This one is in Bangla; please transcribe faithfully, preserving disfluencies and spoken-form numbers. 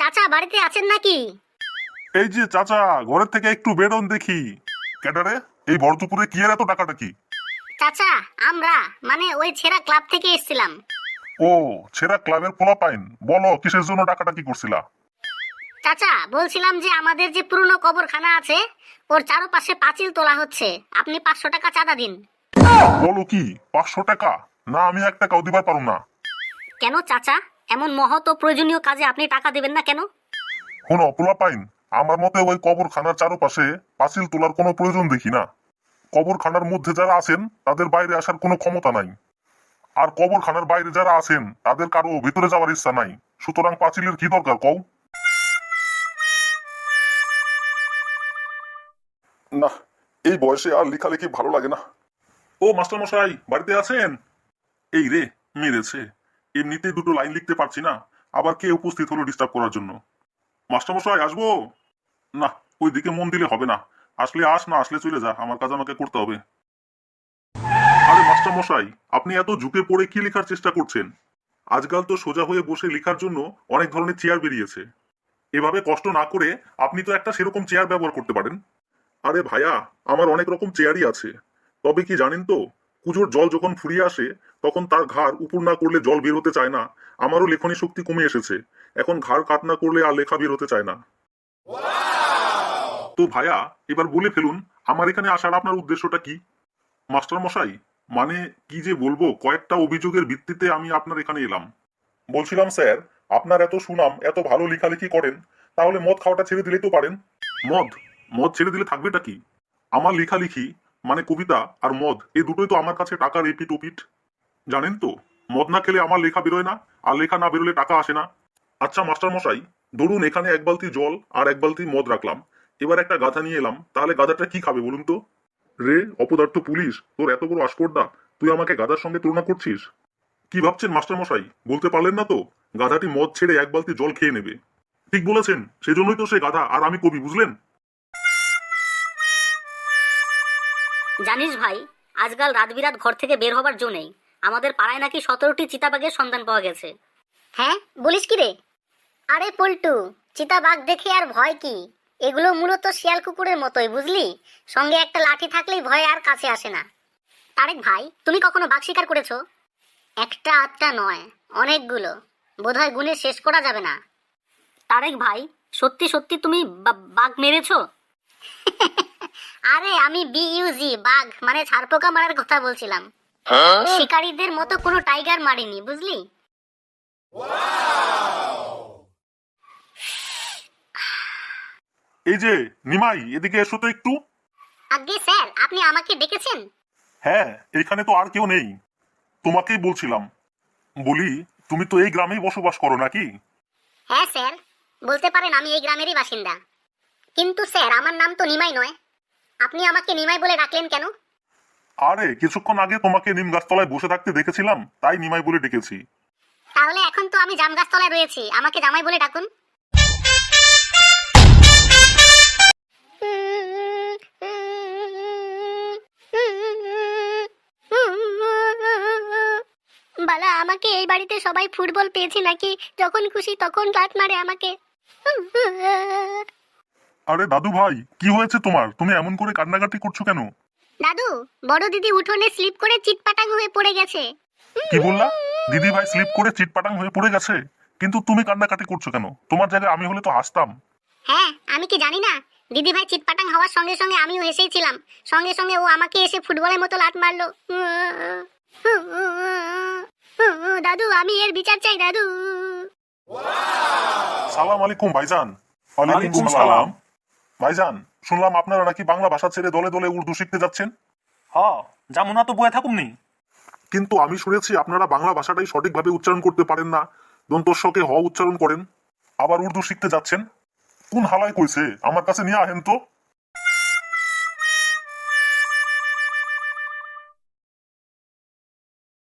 চাচা বাড়িতে আছেন নাকি? এই যে চাচা, ঘরের থেকে একটু বেরোন দেখি। কেডারে এই ভর দুপুরে কি এর এত টাকাটাকি? চাচা আমরা মানে ওই ছেঁড়া ক্লাব থেকে এসেছিলাম। ও, ছেঁড়া ক্লাবের পোলা পাইন, বলো কিসের জন্য টাকাটাকি করছিলা? চাচা বলছিলাম যে আমাদের যে পুরনো কবরখানা আছে ওর চারপাশে পাঁচিল তোলা হচ্ছে, আপনি পাঁচশো টাকা চাঁদা দিন। বলো কি, পাঁচশো টাকা? না, আমি এক টাকাও দিবার পারুম না। কেন চাচা, এমন মহৎ ও প্রয়োজনীয় কাজে আপনি টাকা দেবেন না কেন? শোনো পোলা পাইন, আমার মতে ওই কবরখানার চারপাশে পাঁচিল তোলার কোনো প্রয়োজন দেখি না। কবরখানার মধ্যে যারা আছেন তাদের বাইরে আসার কোনো ক্ষমতা নাই, আর কবরখানার বাইরে যারা আছেন তাদের কারো ভিতরে যাওয়ার ইচ্ছা নাই। সুতরাং পাঁচিলের কি দরকার কও? না, এই বয়সে আর লেখালেখি ভালো লাগে না। ও মাস্টার মশাই, বাড়িতে আছেন? এই রে, মেরেছে। এমনিতেই দুটো লাইন লিখতে পারছি না, আবার কে উপস্থিত হলো ডিস্টার্ব করার জন্য। মাস্টার মশাই আসবো? না, ওই দিকে মন দিলে হবে না। আসলে আস, না আসলে চলে যা, আমার কাজ আমাকে করতে হবে। আরে মাস্টার মশাই, আপনি এত ঝুঁকে পড়ে কি লেখার চেষ্টা করছেন? আজকাল তো সোজা হয়ে বসে লেখার জন্য অনেক ধরনের চেয়ার বেরিয়েছে। এভাবে কষ্ট না করে আপনি তো একটা সেরকম চেয়ার ব্যবহার করতে পারেন। আরে ভাইয়া, আমার অনেক রকম চেয়ারই আছে। তবে কি জানেন তো, কুজোর জল যখন ফুরিয়ে আসে তখন তার ঘাড় উপর না করলে জল বের হতে চায় না। আমারও লেখনী শক্তি কমে এসেছে, এখন ঘাড় কাট না করলে আর লেখা বের হতে চায় না। তো ভাইয়া, এবার বলে ফেলুন, আমার এখানে আসার আপনার উদ্দেশ্যটা কি? মাস্টার মশাই, মানে কি যে বলবো, কয়েকটা অভিযোগের ভিত্তিতে আমি আপনার এখানে এলাম। বলছিলাম স্যার, আপনার এত সুনাম, এত ভালো লেখালেখি করেন, তাহলে মদ খাওয়াটা ছেড়ে দিলেই তো পারেন। মদ? মদ ছেড়ে দিলে থাকবেটা কি? আমার লেখালেখি মানে কবিতা আর মদ, এই দুটোই তো আমার কাছে টাকার এপিট ওপিট। জানেন তো, মদ না খেলে আমার লেখা বেরোয় না, আর লেখা না বেরোলে টাকা আসে না। আচ্ছা মাস্টার মশাই, ধরুন এখানে এক বালতি জল আর এক বালতি মদ রাখলাম, এবার একটা গাধা নিয়ে এলাম, তাহলে গাধাটা কি খাবে বলুন তো? রে অপদার্থ পুলিশ, তোর এত বড় আস্পর্ধা, তুই আমাকে গাধার সঙ্গে তুলনা করছিস? কি ভাবছেন মাস্টার মশাই, বলতে পারলেন না তো? গাধাটি মদ ছেড়ে এক বালতি জল খেয়ে নেবে। ঠিক বলেছেন, সেজন্যই তো সে গাধা আর আমি কবি, বুঝলেন? জানিস ভাই, আজকাল রাত বিরাত ঘর থেকে বের হবার জো নেই। আমাদের পাড়ায় নাকি সতেরোটি চিতাবাঘের সন্ধান পাওয়া গেছে। হ্যাঁ বলিস কি রে? আরে পল্টু, চিতাবাঘ দেখে আর ভয় কি? এগুলো মূলত শিয়াল কুকুরের মতোই, বুঝলি? সঙ্গে একটা লাঠি থাকলেই ভয় আর কাছে আসে না। তারেক ভাই, তুমি কখনো বাঘ শিকার করেছো? একটা আধটা নয়, অনেকগুলো। বোধহয় গুণে শেষ করা যাবে না। তারেক ভাই, সত্যি সত্যি তুমি বা- বাঘ মেরেছো? আরে আমি বিইউজি বাঘ মানে ছারপোকা মারার কথা বলছিলাম। শিকারীদের মতো কোনো টাইগার মারিনি, বুঝলি? এই যে নিমাই, এদিকে এসো তো একটু। আজ্ঞে স্যার, আপনি আমাকে ডেকেছেন? হ্যাঁ, এখানে তো আর কেউ নেই, তোমাকেই বলছিলাম। বলি, তুমি তো এই গ্রামেই বসবাস করো নাকি? হ্যাঁ স্যার, বলতে পারেন আমি এই গ্রামেরই বাসিন্দা। কিন্তু স্যার, আমার নাম তো নিমাই নয়। আপনি আমাকে নিমাই বলে ডাকলেন কেন? আরে কিছুক্ষণ আগে তোমাকে নিম গাছতলায় বসে থাকতে দেখেছিলাম, তাই নিমাই বলে ডেকেছি। তাহলে এখন তো আমি জাম গাছতলায় রয়েছি, আমাকে জামাই বলে ডাকুন। বালা, আমাকে এই বাড়িতে সবাই ফুটবল পেয়েছে নাকি? যখন খুশি তখন লাত মারে আমাকে। আরে দাদু ভাই, কি হয়েছে তোমার? তুমি এমন করে কান্নাকাটি করছো কেন? দাদু, বড় দিদি উঠোনে স্লিপ করে চিটপাটাং হয়ে পড়ে গেছে। কি বললা? দিদি ভাই স্লিপ করে চিটপাটাং হয়ে পড়ে গেছে? কিন্তু তুমি কান্নাকাটি করছো কেন? তোমার জায়গায় আমি হলে তো হাসতাম। হ্যাঁ, আমি কি জানি না? দিদি ভাই চিটপাটাং হওয়ার সঙ্গে সঙ্গে আমিও হেসেছিলাম। সঙ্গে সঙ্গে ও আমাকে এসে ফুটবলের মতো লাত মারলো। দাদু, আমি এর বিচার চাই দাদু। সালাম আলাইকুম ভাইজান। ওয়ালাইকুম সালাম। ভাইজান, শুনলাম আপনারা নাকি বাংলা ভাষা ছেড়ে দলে দলে উর্দু শিখতে যাচ্ছেন। হ, যেমন তো বয়ে থাকুম নি। কিন্তু আমি শুনেছি আপনারা বাংলা ভাষাটাই সঠিকভাবে উচ্চারণ করতে পারেন না, দন্তস্বকে হ উচ্চারণ করেন, আবার উর্দু শিখতে যাচ্ছেন। কোন হালায় কইছে? আমার কাছে নিয়ে আহেন তো।